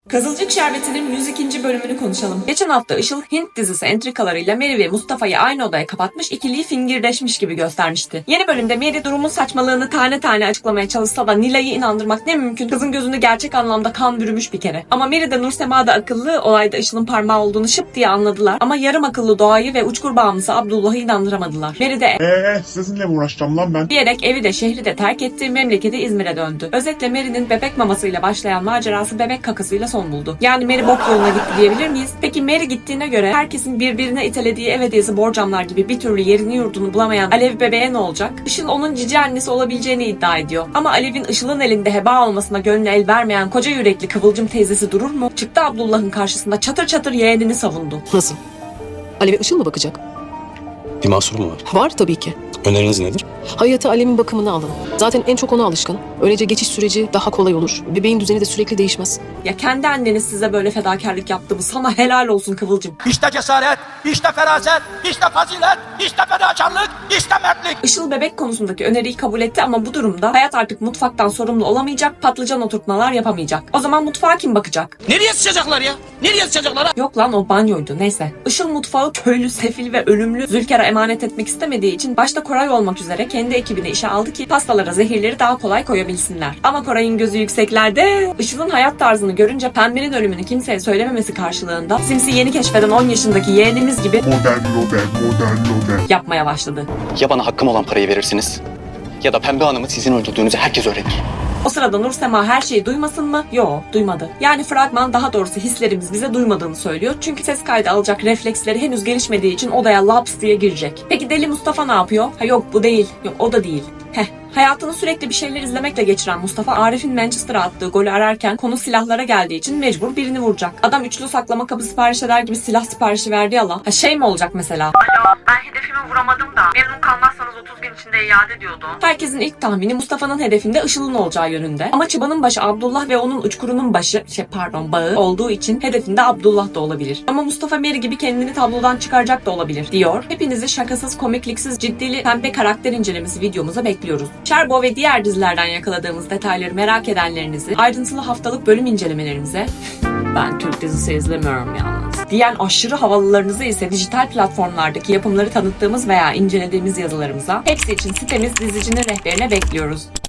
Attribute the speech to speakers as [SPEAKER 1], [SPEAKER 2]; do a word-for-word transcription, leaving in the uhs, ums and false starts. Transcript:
[SPEAKER 1] Kızılcık Şerbeti'nin yüz ikinci bölümünü konuşalım. Geçen hafta Işıl Hint dizisi entrikalarıyla Mary ve Mustafa'yı aynı odaya kapatmış, ikiliyi fingirdeşmiş gibi göstermişti. Yeni bölümde Mary durumun saçmalığını tane tane açıklamaya çalışsa da Nilay'ı inandırmak ne mümkün? Kızın gözünde gerçek anlamda kan bürümüş bir kere. Ama Mary de Nursema da akıllı, olayda Işıl'ın parmağı olduğunu şıp diye anladılar. Ama yarım akıllı Doğa'yı ve uçkur bağımlısı Abdullah'ı inandıramadılar. Mary de
[SPEAKER 2] Eee sizinle mi uğraşacağım lan ben?
[SPEAKER 1] diyerek evi de şehri de terk etti, memleketi İzmir'e döndü. Özetle Mary'nin bebek mamasıyla başlayan macerası bebek kakasıyla son buldu. Yani Mary bok yoluna gitti diyebilir miyiz? Peki Mary gittiğine göre herkesin birbirine itelediği ev hediyesi borcamlar gibi bir türlü yerini yurdunu bulamayan Alev bebeğe ne olacak? Işıl onun cici annesi olabileceğini iddia ediyor. Ama Alev'in Işıl'ın elinde heba olmasına gönlü el vermeyen koca yürekli Kıvılcım teyzesi durur mu? Çıktı Abdullah'ın karşısında çatır çatır yeğenini savundu.
[SPEAKER 3] Nasıl? Alev'e Işıl mı bakacak?
[SPEAKER 4] Bir mahsur mu var?
[SPEAKER 3] Var tabii ki.
[SPEAKER 4] Öneriniz nedir?
[SPEAKER 3] Hayata Alev'in bakımını alın. Zaten en çok ona alışkın. Öylece geçiş süreci daha kolay olur. Bebeğin düzeni de sürekli değişmez.
[SPEAKER 1] Ya kendi anneniz size böyle fedakarlık yaptı mı? Sana helal olsun Kıvılcım.
[SPEAKER 5] İşte cesaret, işte feraset, işte fazilet, işte fedakarlık, işte mertlik.
[SPEAKER 1] Işıl bebek konusundaki öneriyi kabul etti ama bu durumda hayat artık mutfaktan sorumlu olamayacak, patlıcan oturtmalar yapamayacak. O zaman mutfağa kim bakacak?
[SPEAKER 5] Nereye sıçacaklar ya? Nereye sıçacaklar?
[SPEAKER 1] Yok lan o banyoydu, neyse. Işıl mutfağı köylü, sefil ve ölümlü Zülker'e emanet etmek istemediği için başta Koray olmak üzere kendi ekibine işe aldı ki pastalara zehirleri daha kolay koyabilsinler. Ama Koray'ın gözü yükseklerde. Işıl'ın hayat tarzını görünce Pembe'nin ölümünü kimseye söylememesi karşılığında Sims'i yeni keşfeden on yaşındaki yeğenimiz gibi
[SPEAKER 2] Modern loben, modern loben.
[SPEAKER 1] yapmaya başladı.
[SPEAKER 4] Ya bana hakkım olan parayı verirsiniz ya da Pembe Hanım'ı sizin öldürdüğünüzü herkes öğrenir.
[SPEAKER 1] O sırada Nursema her şeyi duymasın mı? Yo, duymadı. Yani fragman, daha doğrusu hislerimiz bize duymadığını söylüyor. Çünkü ses kaydı alacak refleksleri henüz gelişmediği için odaya laps diye girecek. Peki deli Mustafa ne yapıyor? Ha yok bu değil. Yok o da değil. Heh. Hayatını sürekli bir şeyler izlemekle geçiren Mustafa, Arif'in Manchester'a attığı golü ararken konu silahlara geldiği için mecbur birini vuracak. Adam üçlü saklama kabı sipariş eder gibi silah siparişi verdi ya la. Ha şey mi olacak mesela?
[SPEAKER 6] Alo, ben hedefimi vuramadım da memnun kalmazsanız otuz gün içinde iade diyordu.
[SPEAKER 1] Herkesin ilk tahmini Mustafa'nın hedefinde Işıl'ın olacağı yönünde. Ama çıbanın başı Abdullah ve onun uçkurunun başı, şey pardon bağı olduğu için hedefinde Abdullah da olabilir. Ama Mustafa Mary gibi kendini tablodan çıkaracak da olabilir diyor. Hepinizi şakasız, komikliksiz, ciddili pembe karakter incelemesi videomuza bekliyoruz. Sherbo ve diğer dizilerden yakaladığımız detayları merak edenlerinizi ayrıntılı haftalık bölüm incelemelerimize ben Türk dizisi izlemiyorum yalnız diyen aşırı havalılarınızı ise dijital platformlardaki yapımları tanıttığımız veya incelediğimiz yazılarımıza, hepsi için sitemiz Dizicinin rehberine bekliyoruz.